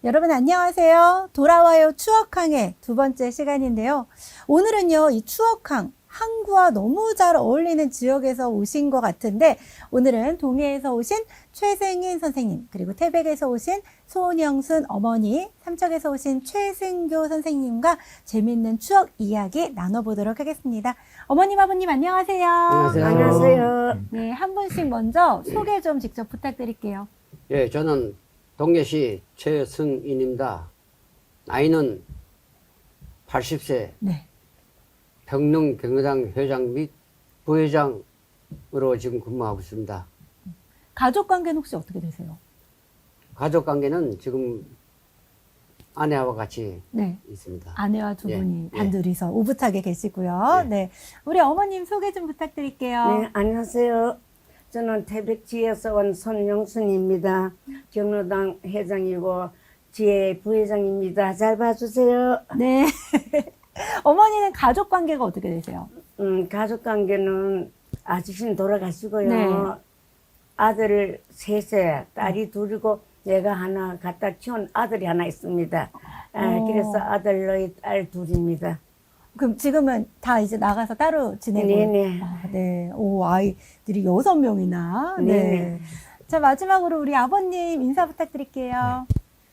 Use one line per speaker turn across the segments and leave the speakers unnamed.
여러분 안녕하세요. 돌아와요 추억항의 두 번째 시간인데요. 오늘은요, 이 추억항, 항구와 너무 잘 어울리는 지역에서 오신 것 같은데, 오늘은 동해에서 오신 최승인 선생님, 그리고 태백에서 오신 손영순 어머니, 삼척에서 오신 최승교 선생님과 재밌는 추억 이야기 나눠보도록 하겠습니다. 어머님, 아버님 안녕하세요.
안녕하세요.
안녕하세요.
네, 한 분씩 먼저 소개 좀 직접 부탁드릴게요.
예, 저는 동해시 최승인입니다. 나이는 80세,
네.
평릉 경로당 회장 및 부회장으로 지금 근무하고 있습니다.
가족 관계는 혹시 어떻게 되세요?
가족 관계는 지금 아내와 같이
네.
있습니다.
아내와 두
예,
분이
예.
단둘이서 오붓하게 계시고요.
예.
네. 우리 어머님 소개 좀 부탁드릴게요.
네, 안녕하세요. 저는 태백지에서 온 손영순입니다. 경로당 회장이고 지혜 부회장입니다. 잘 봐주세요.
네. 어머니는 가족 관계가 어떻게 되세요?
가족 관계는 아저씨는 돌아가시고요.
네.
아들 셋에 딸이 둘이고 내가 하나 갖다 키운 아들이 하나 있습니다. 그래서 아들의 딸 둘입니다.
그럼 지금은 다 이제 나가서 따로 지내고.
네네.
아, 네. 오, 아이들이 6명이나. 네.
네네.
자, 마지막으로 우리 아버님 인사 부탁드릴게요.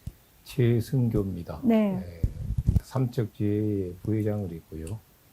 최승교입니다.
네.
삼척지회 부회장을 있고요.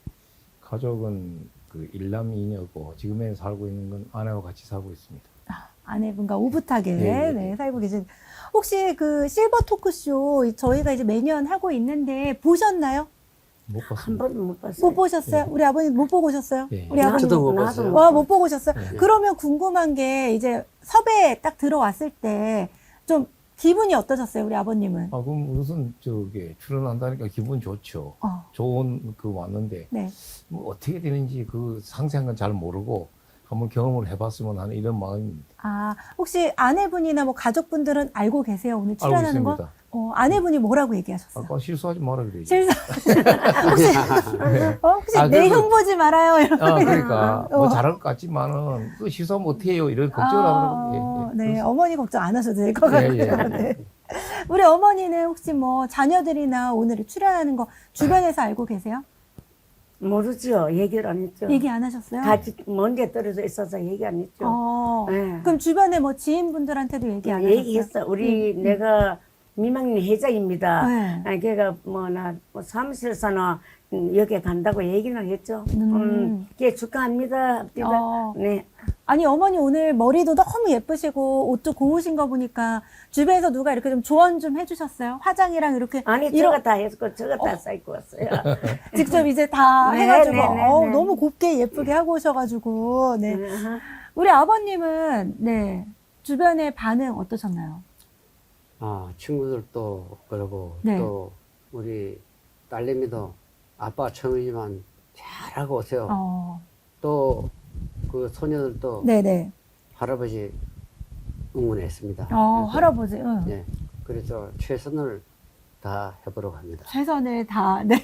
가족은 그 일남이녀고 지금에 살고 있는 건 아내와 같이 살고 있습니다.
아내분과 오붓하게
네.
네, 살고 계신. 혹시 그 실버 토크쇼 저희가 이제 매년 하고 있는데 보셨나요?
못
한
봤습니다.
번도 못 봤어요.
못 보셨어요?
네.
우리 아버님 못 보고 오셨어요?
예.
우리 아버님
저도 못
나도
봤어요.
와, 못 보고 오셨어요?
네.
그러면 궁금한 게 이제 섭외 딱 들어왔을 때 좀 기분이 어떠셨어요, 우리 아버님은?
아, 그럼 무슨 저기 출연한다니까 기분 좋죠. 좋은 그 왔는데
네.
뭐 어떻게 되는지 그 상세한 건 잘 모르고 한번 경험을 해봤으면 하는 이런 마음입니다.
아, 혹시 아내분이나 뭐 가족분들은 알고 계세요? 오늘
알고
출연하는 거?
있습니다.
아내분이 뭐라고 얘기하셨어요?
아까 실수하지 마라 그래요.
실수. 혹시
아,
내
그래서-
형 보지 말아요. 이런 거.
그러니까 뭐 잘할 것 같지만은 그 실수하면 어떻게 해요? 이런 걱정을 하더라고요. 예, 예.
네, 어머니 걱정 안 하셔도 될 것
예,
같아요.
예.
네. 우리 어머니는 혹시 뭐 자녀들이나 오늘 출연하는 거 주변에서 알고 계세요?
모르죠. 얘기를 안 했죠.
얘기 안 하셨어요?
같이 먼데 떨어져 있어서 얘기 안 했죠. 네.
그럼 주변에 뭐 지인분들한테도 얘기 안 하셨어요?
얘기했어. 우리 내가 미망리 회장입니다.
네.
걔가 뭐나 사무실에서나 여기 간다고 얘기는 했죠. 걔 축하합니다. 네.
아니, 어머니 오늘 머리도 너무 예쁘시고 옷도 고우신 거 보니까 주변에서 누가 이렇게 좀 조언 좀 해주셨어요? 화장이랑 이렇게
아니 저거 다 했고 저거 다 쌓고 왔어요.
직접 이제 다
네,
해가지고
네, 네, 네.
너무 곱게 예쁘게 하고 오셔가지고 네. 우리 아버님은 네 주변의 반응 어떠셨나요?
아, 친구들도 그러고
네.
또 우리 딸내미도 아빠 처음이지만 잘하고 오세요. 또 그 소녀들도
네네.
할아버지 응원했습니다. 그래서,
할아버지.
예, 그래서 최선을 다 해보려고 합니다.
최선을 다. 네.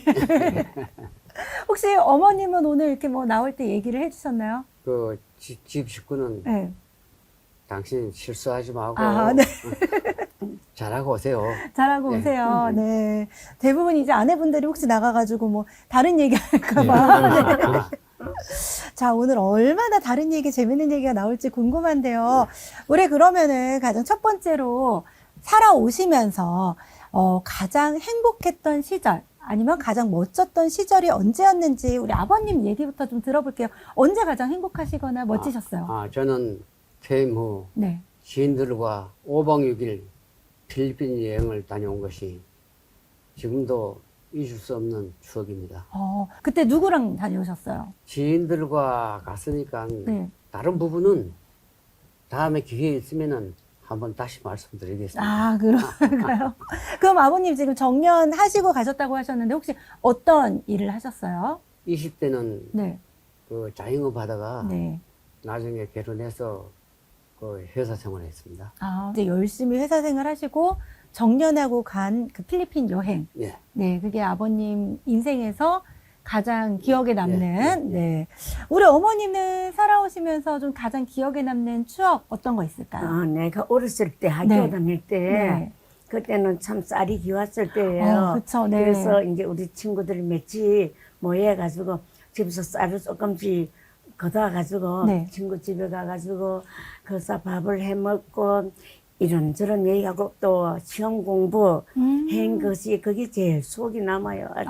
혹시 어머님은 오늘 이렇게 뭐 나올 때 얘기를 해주셨나요?
그 집 식구는
네.
당신 실수하지 말고
네.
잘하고 오세요.
잘하고
네.
오세요. 네. 대부분 이제 아내분들이 혹시 나가가지고 뭐 다른 얘기 할까봐. 자, 오늘 얼마나 다른 얘기, 재밌는 얘기가 나올지 궁금한데요. 우리 그러면은 가장 첫 번째로 살아오시면서, 가장 행복했던 시절, 아니면 가장 멋졌던 시절이 언제였는지 우리 아버님 얘기부터 좀 들어볼게요. 언제 가장 행복하시거나 멋지셨어요?
저는 퇴임 후
네.
지인들과 5박 6일 필리핀 여행을 다녀온 것이 지금도 잊을 수 없는 추억입니다.
그때 누구랑 다녀오셨어요?
지인들과 갔으니까
네.
다른 부분은 다음에 기회 있으면은 한번 다시 말씀드리겠습니다.
그런가요? 그럼 아버님 지금 정년하시고 가셨다고 하셨는데 혹시 어떤 일을 하셨어요?
20대는
네.
그 자영업 하다가
네.
나중에 결혼해서 그 회사 생활을 했습니다.
이제 열심히 회사 생활 하시고 정년하고 간 그 필리핀 여행.
예.
네, 그게 아버님 인생에서 가장 기억에 남는,
예.
네. 우리 어머니는 살아오시면서 좀 가장 기억에 남는 추억 어떤 거 있을까요?
내가 어렸을 때 학교
네.
다닐 때
네.
그때는 참 쌀이 귀했을 때예요.
그쵸, 네.
그래서 이제 우리 친구들이 몇이 모여가지고 집에서 쌀을 조금씩 걷어가지고
네.
친구 집에 가가지고 거기서 밥을 해 먹고 이런저런 얘기하고 또 시험 공부 한 것이 그게 제일 속이 남아요. 아주.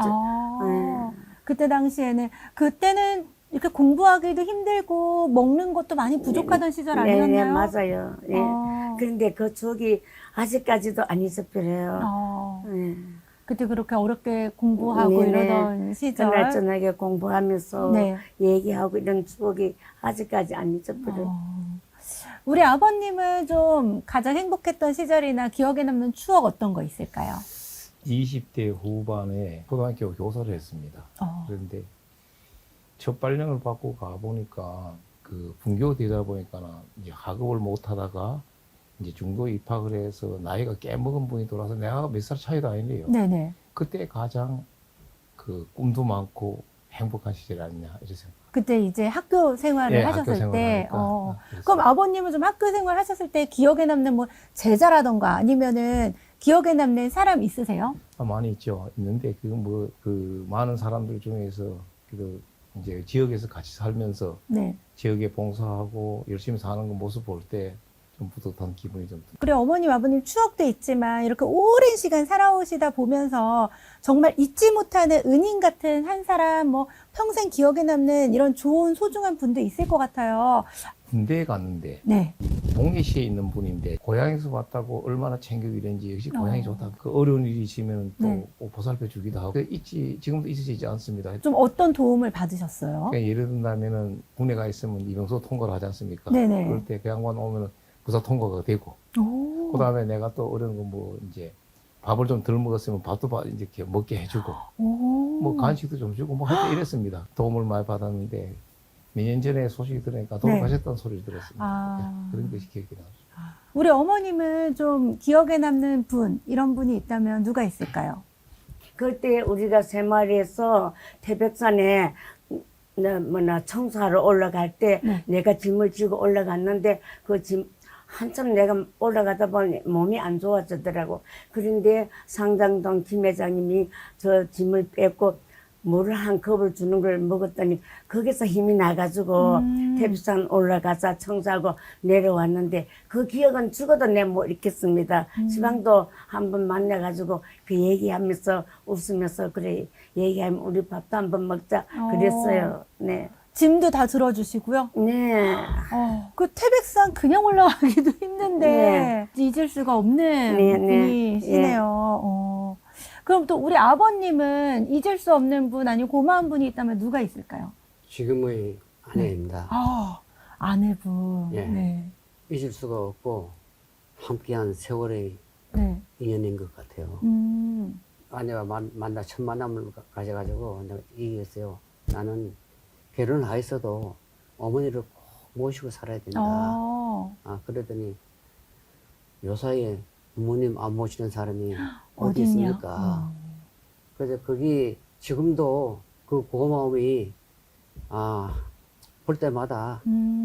그때 당시에는 그때는 이렇게 공부하기도 힘들고 먹는 것도 많이 부족하던 시절 아니었나요?
네, 맞아요. 예.
어.
그런데 그 추억이 아직까지도 안 잊어버려요. 예.
그때 그렇게 어렵게 공부하고
네네.
이러던 시절.
그날 저녁에 공부하면서
네.
얘기하고 이런 추억이 아직까지 안 잊어버려요.
우리 아버님은 좀 가장 행복했던 시절이나 기억에 남는 추억 어떤 거 있을까요?
20대 후반에 초등학교 교사를 했습니다. 그런데 첫 발령을 받고 가보니까 그 분교되다 보니까 이제 학업을 못 하다가 이제 중도 입학을 해서 나이가 꽤 먹은 분이 돌아서 내가 몇 살 차이도 아니래요.
네네.
그때 가장 그 꿈도 많고 행복한 시절이 아니냐 이렇게 생각합니다.
그때 이제 학교 생활을
예,
하셨을
학교 생활을
때,
하니까.
그럼 아버님은 좀 학교 생활 하셨을 때 기억에 남는 뭐 제자라던가 아니면은 기억에 남는 사람 있으세요?
많이 있죠. 있는데 그 많은 사람들 중에서 그래도 이제 지역에서 같이 살면서
네.
지역에 봉사하고 열심히 사는 그 모습 볼 때 좀 뿌듯한 기분이 좀 듭니다.
그래, 어머님, 아버님 추억도 있지만 이렇게 오랜 시간 살아오시다 보면서 정말 잊지 못하는 은인 같은 한 사람, 뭐 평생 기억에 남는 이런 좋은 소중한 분도 있을 것 같아요.
군대에 갔는데
네.
동해시에 있는 분인데 고향에서 왔다고 얼마나 챙겨주는지 역시 고향이 좋다. 그 어려운 일이 있으면 또
네.
보살펴 주기도 하고 지금도 잊어지지 않습니다.
좀 어떤 도움을 받으셨어요?
그러니까 예를 든다면은 군에 가 있으면 이병소 통과를 하지 않습니까?
네네.
그럴 때 그 양반 오면은 부사 통과가 되고
오.
그다음에 내가 또 어려운 거 뭐 이제 밥을 좀 덜 먹었으면 밥도 이제 이렇게 먹게 해주고
오.
뭐 간식도 좀 주고 뭐 할 때 이랬습니다. 도움을 많이 받았는데 몇 년 전에 소식이 들으니까 돌아가셨다는 소리를 들었습니다. 그런 것이 기억이 나죠.
우리 어머님은 좀 기억에 남는 분, 이런 분이 있다면 누가 있을까요?
그때 우리가 새마을에서 태백산에 청소하러 올라갈 때
네.
내가 짐을 지고 올라갔는데 그 짐 한참 내가 올라가다 보니 몸이 안 좋아지더라고. 그런데 상장동 김 회장님이 저 짐을 뺏고 물을 한 컵을 주는 걸 먹었더니 거기서 힘이 나가지고 태백산 올라가서 청소하고 내려왔는데 그 기억은 죽어도 내 못 잊겠습니다. 시방도 한번 만나가지고 그 얘기하면서 웃으면서 그래 얘기하면 우리 밥도 한번 먹자 그랬어요. 네.
짐도 다 들어주시고요.
네.
그 태백산 그냥 올라가기도 힘든데 잊을 수가 없는
네, 네.
분이시네요. 그럼 또 우리 아버님은 잊을 수 없는 분 아니면 고마운 분이 있다면 누가 있을까요?
지금의 아내입니다.
아내분.
예.
네.
잊을 수가 없고 함께한 세월의
네.
인연인 것 같아요. 아내와 첫 만남을 가져가지고 내가 얘기했어요. 나는 결혼을 하였어도 어머니를 꼭 모시고 살아야 된다. 그러더니 요사이에 부모님 안 모시는 사람이 어디
어딨냐?
있습니까? 그래서 거기 지금도 그 고마움이 볼 때마다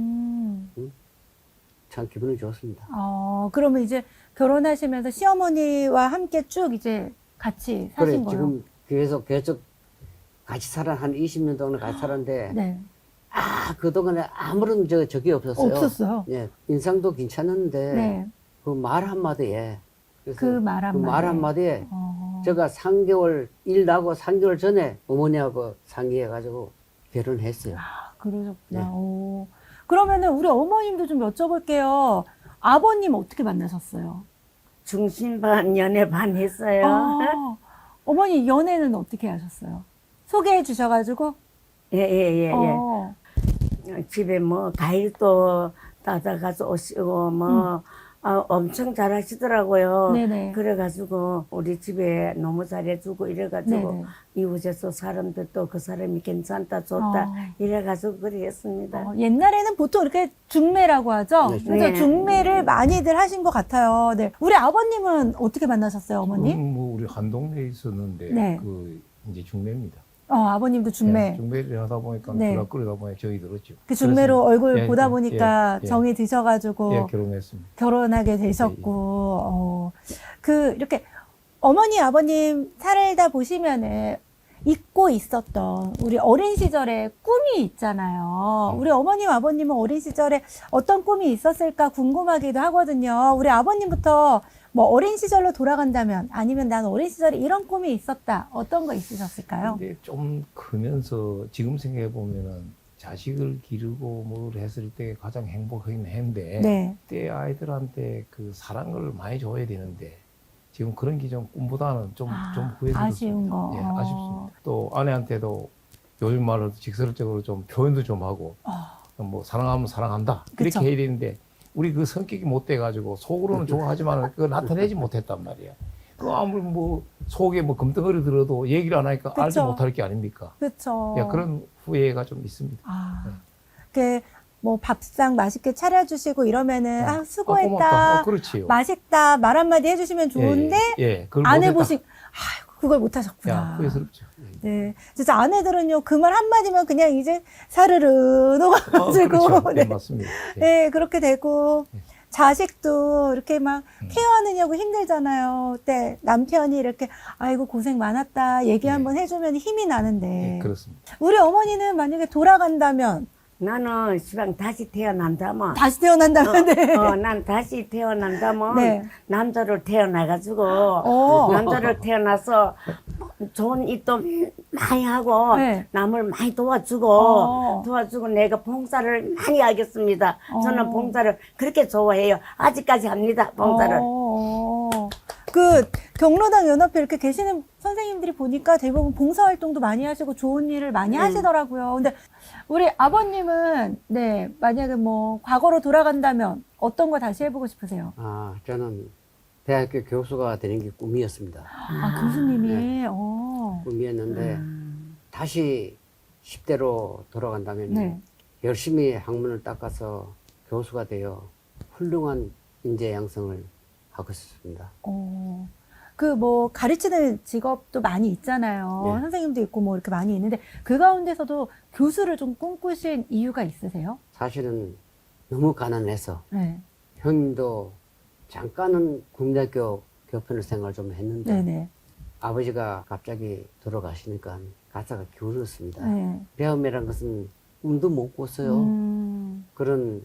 참 기분이 좋습니다.
그러면 이제 결혼하시면서 시어머니와 함께 쭉 이제 같이 사신 거예요?
지금 계속 같이 한 20년 동안 같이 살았는데
네.
그동안에 아무런 적이 없었어요.
없었어요.
예, 인상도 괜찮았는데
네.
그 말 한마디에
그 말 한마디에
제가 3개월 일 나고 3개월 전에 어머니하고 상의해가지고 결혼했어요.
그러셨구나.
네.
그러면은 우리 어머님도 좀 여쭤볼게요. 아버님 어떻게 만나셨어요?
중심 반 연애 반 했어요.
어머니 연애는 어떻게 하셨어요? 소개해 주셔가지고?
예. 집에 뭐 과일도 따다가서 오시고 뭐 엄청 잘하시더라고요.
네네.
그래가지고 우리 집에 너무 잘해주고 이래가지고
네네.
이웃에서 사람들도 그 사람이 괜찮다 좋다 이래가지고 그랬습니다.
옛날에는 보통 이렇게 중매라고 하죠?
네,
그래서
네.
중매를 많이들 하신 것 같아요. 네. 우리 아버님은 어떻게 만나셨어요, 어머니?
뭐 우리 한 동네에 있었는데
네.
그 이제 중매입니다.
아버님도 중매.
중매를 하다 보니까
네.
불화 끓이다 보니까 정이 들었죠.
그 중매로
그래서-
얼굴
예,
보다
예,
보니까
예.
정이 드셔가지고
예, 결혼했습니다.
결혼하게 되셨고, 그, 이렇게 어머니, 아버님 살다 보시면은 잊고 있었던 우리 어린 시절의 꿈이 있잖아요. 우리 어머님, 아버님은 어린 시절에 어떤 꿈이 있었을까 궁금하기도 하거든요. 우리 아버님부터 뭐 어린 시절로 돌아간다면 아니면 난 어린 시절에 이런 꿈이 있었다. 어떤 거 있으셨을까요?
근데 좀 크면서 지금 생각해 보면은 자식을 기르고 뭘 했을 때 가장 행복하긴 했는데
네.
그때 아이들한테 그 사랑을 많이 줘야 되는데 지금 그런 게 좀 꿈보다는 좀 후회스럽습니다.
아쉬운 거.
예, 아쉽습니다. 또 아내한테도 요즘 말로 직설적으로 좀 표현도 좀 하고 뭐 사랑하면 사랑한다
그쵸.
이렇게 해야 되는데 우리 그 성격이 못 돼가지고 속으로는 좋아하지만 그거 나타내지 못했단 말이야. 그 아무리 뭐 속에 뭐 금덩어리 들어도 얘기를 안 하니까 알지
그쵸.
못할 게 아닙니까?
그렇죠.
야, 그런 후회가 좀 있습니다.
그, 뭐 밥상 맛있게 차려주시고 이러면은,
고맙다.
수고했다.
그렇지요.
맛있다. 말 한마디 해주시면 좋은데,
그걸
안
못했다.
해보신, 아이고, 그걸 못하셨구나.
야, 후회스럽죠.
네. 진짜 아내들은요, 그 말 한마디면 그냥 이제 사르르 녹아가지고,
그렇죠.
네.
맞습니다. 예.
네, 그렇게 되고, 자식도 이렇게 막 케어하느냐고 힘들잖아요. 그때 남편이 이렇게, 아이고, 고생 많았다. 얘기 한번 해주면 힘이 나는데.
예, 그렇습니다.
우리 어머니는 만약에 돌아간다면,
나는 시방 다시 태어난다면
다시 태어난다면, 네.
난 다시 태어난다면
네.
남자로 태어나가지고 남자로 태어나서 좋은 일도 많이 하고
네.
남을 많이 도와주고
어.
내가 봉사를 많이 하겠습니다. 저는 봉사를 그렇게 좋아해요. 아직까지 합니다. 봉사를.
그 경로당 연합회 이렇게 계시는 선생님들이 보니까 대부분 봉사활동도 많이 하시고 좋은 일을 많이 하시더라고요. 근데 우리 아버님은 네 만약에 뭐 과거로 돌아간다면 어떤 거 다시 해보고 싶으세요?
저는 대학교 교수가 되는 게 꿈이었습니다.
교수님이
꿈이었는데 다시 10대로 돌아간다면
네.
열심히 학문을 닦아서 교수가 되어 훌륭한 인재 양성을 하고 싶습니다.
그 뭐 가르치는 직업도 많이 있잖아요.
네.
선생님도 있고 뭐 이렇게 많이 있는데 그 가운데서도 교수를 좀 꿈꾸신 이유가 있으세요?
사실은 너무 가난해서
네.
형님도 잠깐은 국민학교 교편을 생활 좀 했는데
네네.
아버지가 갑자기 돌아가시니까 가사가 기울었습니다.
네.
배움이란 것은 꿈도 못 꿨어요. 그런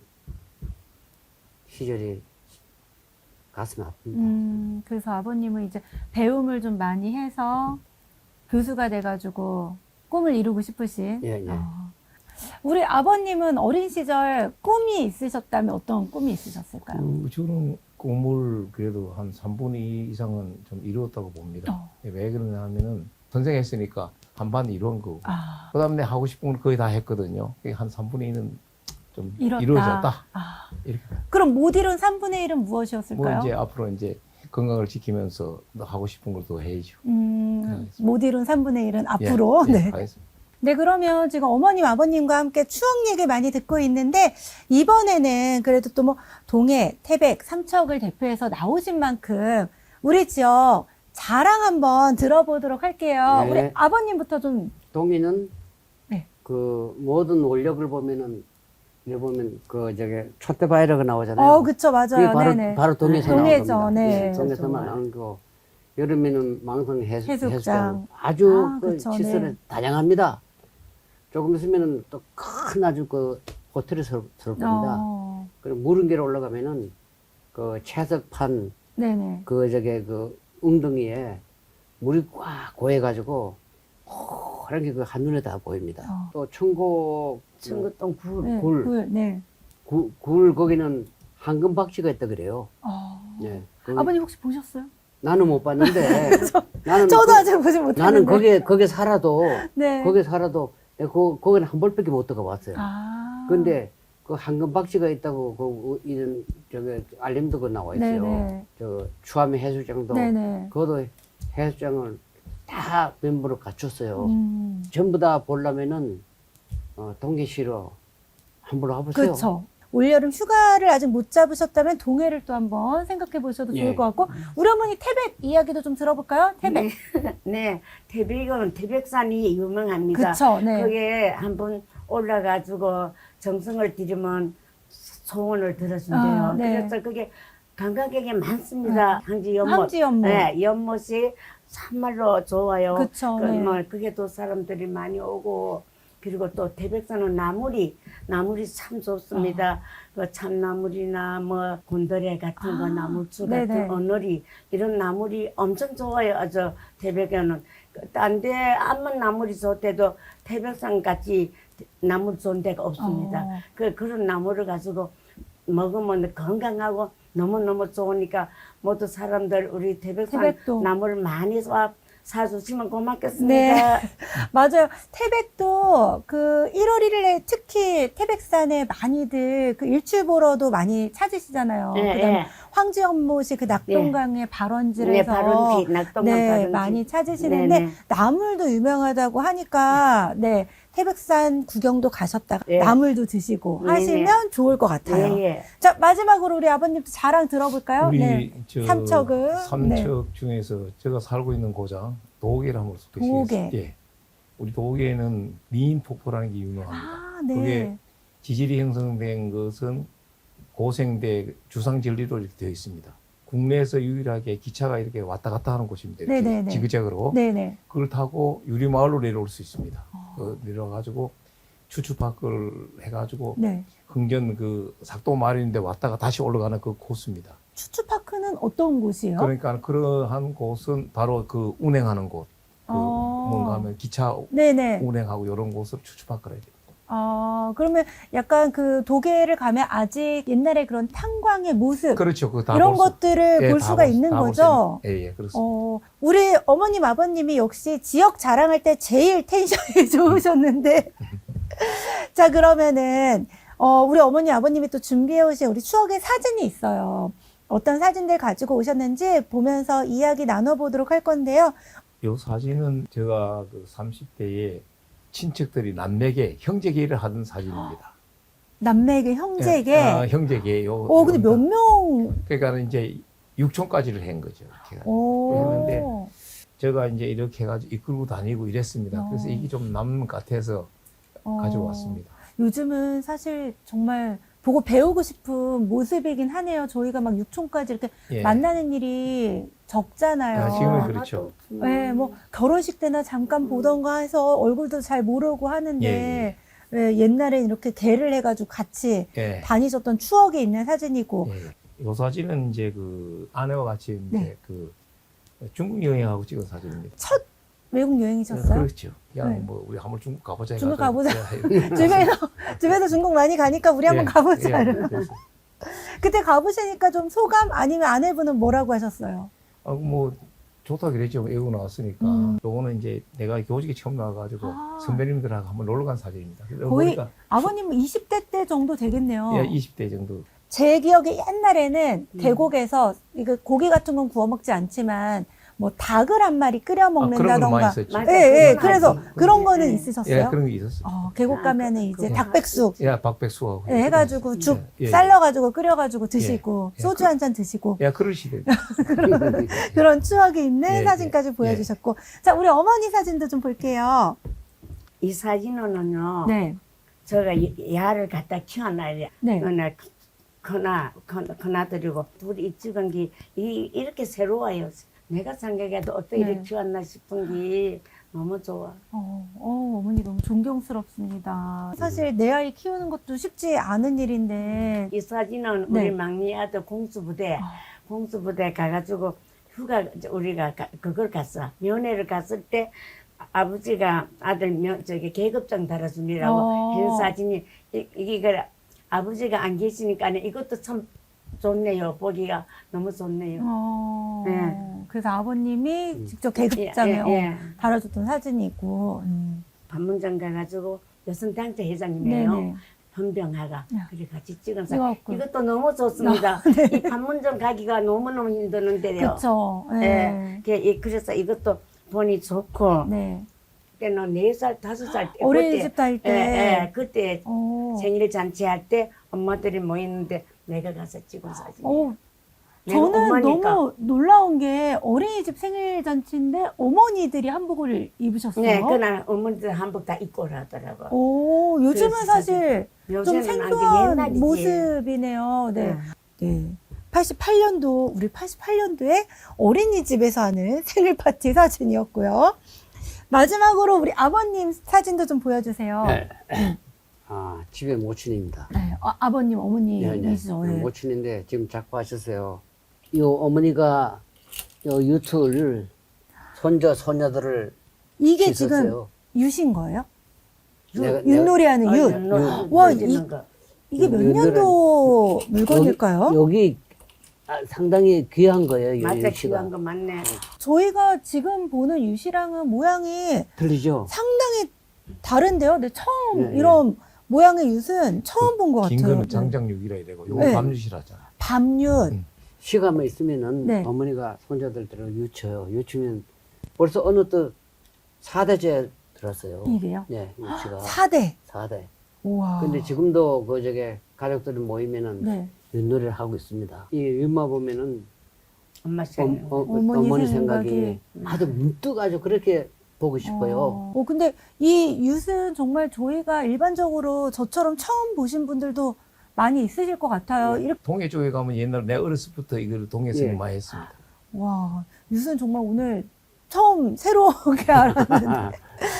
시절이 가슴이 아픕니다.
그래서 아버님은 이제 배움을 좀 많이 해서 교수가 돼가지고 꿈을 이루고 싶으신.
예, 예.
우리 아버님은 어린 시절 꿈이 있으셨다면 어떤 꿈이 있으셨을까요?
저는 꿈을 그래도 한 3분의 2 이상은 좀 이루었다고 봅니다. 왜 그러냐 하면은 선생했으니까 한 반 이루은 거고. 그 다음에 내가 하고 싶은 걸 거의 다 했거든요. 한 3분의 2는 좀 이루어졌다. 이렇게.
그럼 못 이룬 3분의 1은 무엇이었을까요?
뭐 이제 앞으로 이제 건강을 지키면서 하고 싶은 걸 또 해야죠.
못 이룬 3분의 1은 앞으로.
예,
네.
알겠습니다.
네, 그러면 지금 어머님, 아버님과 함께 추억 얘기 많이 듣고 있는데, 이번에는 그래도 또 뭐, 동해, 태백, 삼척을 대표해서 나오신 만큼, 우리 지역 자랑 한번 들어보도록 할게요.
네.
우리 아버님부터 좀.
동의는
네.
그 모든 원력을 보면은 여기 보면 그 저기 촛대바이러가 나오잖아요.
그쵸, 맞아요.
그게 바로
네네.
바로 동해에서
동해죠,
나온 겁니다.
네.
동해에서만 나온 거. 여름에는 망성
해수욕장.
해수장 아주 그
그쵸,
시설이
네.
다양합니다. 조금 있으면은 또 큰 아주 그 호텔이 설 겁니다. 그리고 무릉계로 올라가면은 그 채석판
네네.
그 저기 그 웅덩이에 물이 꽉 고여가지고 그런 게 그 한눈에 다 보입니다. 또 청곡
청구동 굴.
네,
굴.
네.
굴 거기는 황금 박쥐가 있다 그래요. 네.
아버님 혹시 보셨어요?
나는 못 봤는데 나는
저도 아직 보지 못했는데.
나는 거기에 살아도
네.
거기에 살아도 내가 거기는 한 벌밖에 못 들어가 봤어요. 근데 그 황금 박쥐가 있다고 그 이런 저기 알림도 그 나와 있어요.
네네.
저 추암 해수장도
네네.
그것도 해수장을 다 멤버로 갖췄어요.
음.
전부 다 보려면은 동계시로 한번 와보세요.
그렇죠. 올여름 휴가를 아직 못 잡으셨다면 동해를 또 한번 생각해 보셔도 좋을
예.
것 같고, 우리 어머니 태백 이야기도 좀 들어볼까요? 태백.
네, 태백은 태백산이 유명합니다.
그쵸, 네.
거기에 한번 올라가지고 정성을 들이면 소원을 들어준대요.
아, 네.
그래서 그게 관광객이 많습니다. 항지 연못.
항지 연못.
네, 연못이 참말로 좋아요.
그쵸, 네.
그게 또 사람들이 많이 오고, 그리고 또 태백산은 나물이 참 좋습니다. 그 참나물이나 뭐 곤드레 같은 거, 나물주 같은
네네.
어너리 이런 나물이 엄청 좋아요. 저 태백에는 딴데 암만 나물이 좋대도 태백산 같이 나물 좋은 데가 없습니다. 그런 나물을 가지고 먹으면 건강하고 너무너무 좋으니까 모두 사람들 우리 태백산
태백도.
나물 많이 사주시면 고맙겠습니다.
네. 맞아요. 태백도 그 1월 1일에 특히 태백산에 많이들 그 일출 보러도 많이 찾으시잖아요.
네,
그다음에
네.
황지연못이 그 낙동강의 발원지를
네,
해서
발원지, 낙동강
네,
발원지.
많이 찾으시는데
네, 네.
나물도 유명하다고 하니까 네, 태백산 구경도 가셨다가
네.
나물도 드시고
네,
하시면 좋을 것 같아요.
예, 예.
자, 마지막으로 우리 아버님도 자랑 들어볼까요?
우리
네.
저
삼척은
삼척 중에서 제가 살고 있는 고장 도계를 한번 소개시겠습니다.
도계.
예. 우리 도계는 미인 폭포라는 게 유명합니다.
아, 네.
그게 지질이 형성된 것은 고생대 주상 진리로 이렇게 되어 있습니다. 국내에서 유일하게 기차가 이렇게 왔다 갔다 하는 곳입니다. 이렇게
네네네.
지그재그로.
네네.
그걸 타고 유리마을로 내려올 수 있습니다. 내려가지고 추추파크를 해가지고
네.
흥전 그 삭도 마을인데 왔다가 다시 올라가는 그 코스입니다.
추추파크는 어떤 곳이에요?
그러니까 그러한 곳은 바로 그 운행하는 곳. 그 뭔가 하면 기차
네네.
운행하고 이런 곳을 추추파크라 해야 돼요.
그러면 약간 그 도계를 가면 아직 옛날에 그런 탄광의 모습
그렇죠. 그거
이런 것들을 볼 수가 있는 거죠.
예, 그렇습니다.
우리 어머님, 아버님이 역시 지역 자랑할 때 제일 텐션이 좋으셨는데. 자, 그러면은, 우리 어머니, 아버님이 또 준비해 오신 우리 추억의 사진이 있어요. 어떤 사진들 가지고 오셨는지 보면서 이야기 나눠보도록 할 건데요.
이 사진은 제가 그 30대에 친척들이 남매계, 형제계를 하던 사진입니다.
남매계, 형제계.
형제계.
근데 몇 명?
그러니까 이제 6촌까지를 한 거죠. 이렇게.
오.
그랬는데 제가 이제 이렇게 해가지고 이끌고 다니고 이랬습니다. 그래서 이게 좀 남는 것 같아서 가져왔습니다.
요즘은 사실 정말 보고 배우고 싶은 모습이긴 하네요. 저희가 막 6촌까지 이렇게
예.
만나는 일이 적잖아요.
지금은 그렇죠.
네, 뭐 결혼식 때나 잠깐 보던가 해서 얼굴도 잘 모르고 하는데 예, 옛날엔 이렇게 개를 해가지고 같이
예.
다니셨던 추억이 있는 사진이고.
예. 이 사진은 이제 그 아내와 같이 이제
네.
그 중국 여행하고 찍은 사진입니다.
첫 외국 여행이셨어요?
그렇죠. 그냥
네.
뭐 우리 한번 중국 가보자.
중국
해가지고
가보자. 주변에서 중국 많이 가니까 우리 한번 가보자.
그래서.
그때 가보시니까 좀 소감 아니면 아내분은 뭐라고 하셨어요?
뭐 좋다 그랬죠. 외국 나왔으니까. 요거는 이제 내가 교직에 처음 나와가지고 선배님들하고 한번 놀러 간 사진입니다.
거의
보니까
아버님 20대 때 정도 되겠네요.
예, 20대 정도.
제 기억에 옛날에는 계곡에서 이거 고기 같은 건 구워 먹지 않지만 뭐 닭을 한 마리 끓여
그런 거 많이
먹는다던가.
있었죠.
맞아.
예,
그건
그래서
알지.
그런 거는
예.
있으셨어요?
예, 그런 게 있었어요.
계곡 가면은 이제
그거
닭백숙
예, 박백수하고.
예, 해가지고 죽
예, 예.
삶아가지고 끓여가지고 드시고
예,
소주 한 잔 드시고
예, 그럴 시대.
그런 추억이 있는
예,
사진까지
예.
보여주셨고. 자, 우리 어머니 사진도 좀 볼게요.
이 사진은요,
네.
제가 야를 갖다 키워놔야
네.
커나드리고 둘이 찍은 게 이렇게 새로워요. 내가 생각해도 어떻게
네.
이렇게 키웠나 싶은 게 너무 좋아.
어머니 너무 존경스럽습니다. 사실 내 아이 키우는 것도 쉽지 않은 일인데.
이 사진은
네.
우리 막내 아들 공수부대 가가지고 휴가 우리가 그걸 갔어. 면회를 갔을 때 아버지가 아들 계급장 달아주니라고 한 사진이 이게 아버지가 안 계시니까 이것도 참 좋네요. 보기가 너무 좋네요. 네.
그래서 아버님이 직접 계급장에
예.
달아줬던 사진이 있고.
반문장 가가지고 여성단체 회장님이에요.
네네.
헌병하가
야.
그래 같이 찍은 사진.
찍었고.
이것도 너무 좋습니다. 이 반문점 가기가 너무너무 힘드는데요.
그쵸.
예. 그래서 이것도 보니 좋고
네.
때는 4살, 5살 때.
어린이집 다닐 때.
예, 그때
어.
생일 잔치할 때 엄마들이 모이는데 내가 가서 찍은 사진.
어,
내가
저는
엄마니까.
너무 놀라운 게 어린이집 생일 잔치인데 어머니들이 한복을 입으셨어요.
네, 그날 어머니들 한복 다 입고 오라더라고.
오, 요즘은
그래서
사실 좀
요새는 안 돼,
생소한
옛날이지.
모습이네요. 네.
응.
네. 88년도, 우리 88년도에 어린이집에서 하는 생일 파티 사진이었고요. 마지막으로 우리 아버님 사진도 좀 보여주세요.
네. 아, 집에 모친입니다.
네, 아버님, 어머니이시죠. 네.
모친인데 지금 자꾸 하셨어요. 이 어머니가 요 유튜브를 손자, 소녀들을
이게
씻었어요.
지금 유신 거예요?
내가-
윷놀이 하는
아,
윷.
윷놀이
와,
던지는 거.
이게 몇
윷놀이는
년도 물건일까요?
여기 상당히 귀한 거예요. 이
맞아,
유씨가.
귀한 거 맞네.
저희가 지금 보는 유시랑은 모양이
들리죠?
상당히 다른데요? 네, 처음
네,
이런 모양의 윷은 처음 본 것
긴
같아요.
거는
네.
장장육이라 이래고 요거
네.
밤유시라잖아.
밤윷.
시간만 있으면은
네.
어머니가 손자들 들어 유쳐요. 유치면 벌써 어느 또 4대째 들었어요.
이게요?
네, 유치가
4대.
4대.
우와.
근데 지금도 그 저게 가족들이 모이면은
네.
윷놀이를 하고 있습니다. 이 윷마 보면은
엄마 생일.
어머니
생각이
생각이.
아주 문득 아주 그렇게 보고 싶어요.
근데 이 윷은 정말 저희가 일반적으로 저처럼 처음 보신 분들도 많이 있으실 것 같아요.
네.
이렇게,
동해 쪽에 가면 옛날 내가 어렸을 때부터 이걸 동해에서
예.
많이 했습니다.
와, 윷은 정말 오늘 처음 새롭게 알았는데.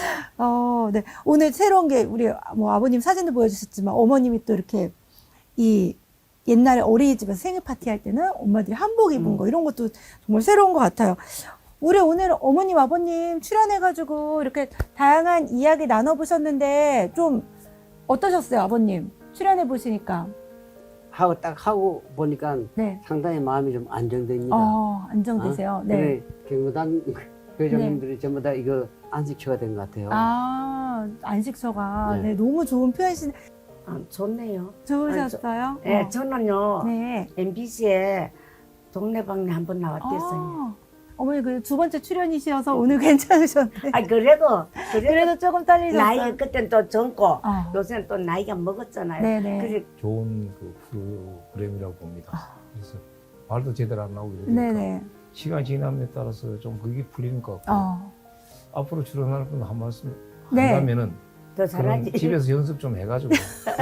네. 오늘 새로운 게 우리 뭐 아버님 사진도 보여주셨지만 어머님이 또 이렇게 이 옛날에 어린이집에서 생일 파티 할 때는 엄마들이 한복 입은 거 이런 것도 정말 새로운 것 같아요. 우리 오늘 어머님, 아버님 출연해가지고 이렇게 다양한 이야기 나눠보셨는데 좀 어떠셨어요, 아버님? 출연해보시니까.
하고 보니까
네.
상당히 마음이 좀 안정됩니다.
안정되세요. 네.
그래, 경무단 회장님들이 전부 다 이거 안식처가 된 것 같아요.
안식처가
네.
네, 너무 좋은 표현이
좋네요.
좋으셨어요?
네, 저는요,
네.
MBC에 동네방네 한번 나왔댔어요.
어머니 그 두 번째 출연이셔서 오늘 괜찮으셨네.
그래도
그래도 조금 떨리셨어요.
나이가 그땐 또 젊고,
아.
요새는 또 나이가 먹었잖아요.
네네.
그래,
좋은 그 프로그램이라고 봅니다. 그래서 말도 제대로 안 나오고 이러니까
네네.
시간이 지남에 따라서 좀 그게 풀리는 것 같고 앞으로 출연할 분 한 말씀
네.
한다면은
더
그럼
잘하지.
집에서 연습 좀 해가지고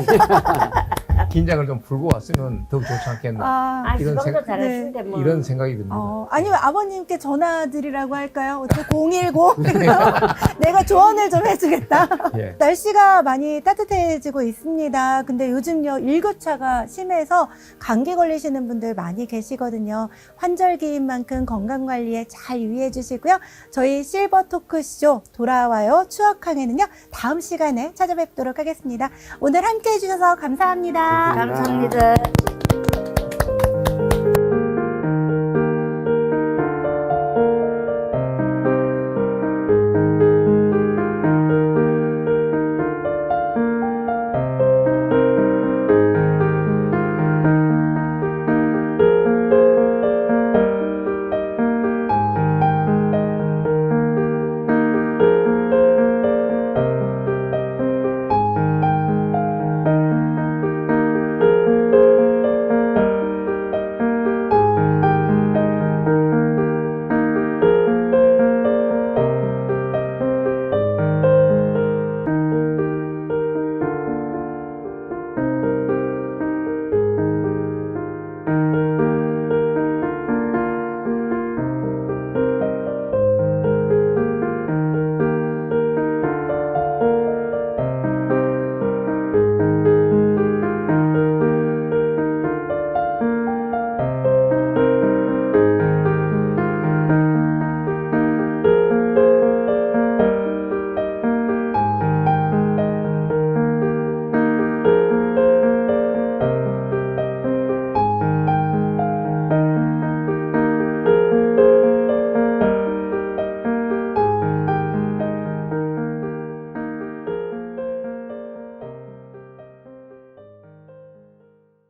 긴장을 좀 풀고 왔으면 더욱 좋지 않겠나
지금도
생각-
잘하시는데 뭐.
이런 생각이 듭니다.
아니면 아버님께 전화드리라고 할까요? 어떻게 010? 내가 조언을 좀 해주겠다.
예.
날씨가 많이 따뜻해지고 있습니다. 근데 요즘요, 일교차가 심해서 감기 걸리시는 분들 많이 계시거든요. 환절기인 만큼 건강관리에 잘 유의해 주시고요. 저희 실버 토크쇼 돌아와요 추억항에는요, 다음 시간에 찾아뵙도록 하겠습니다. 오늘 함께 해주셔서 감사합니다.
감사합니다.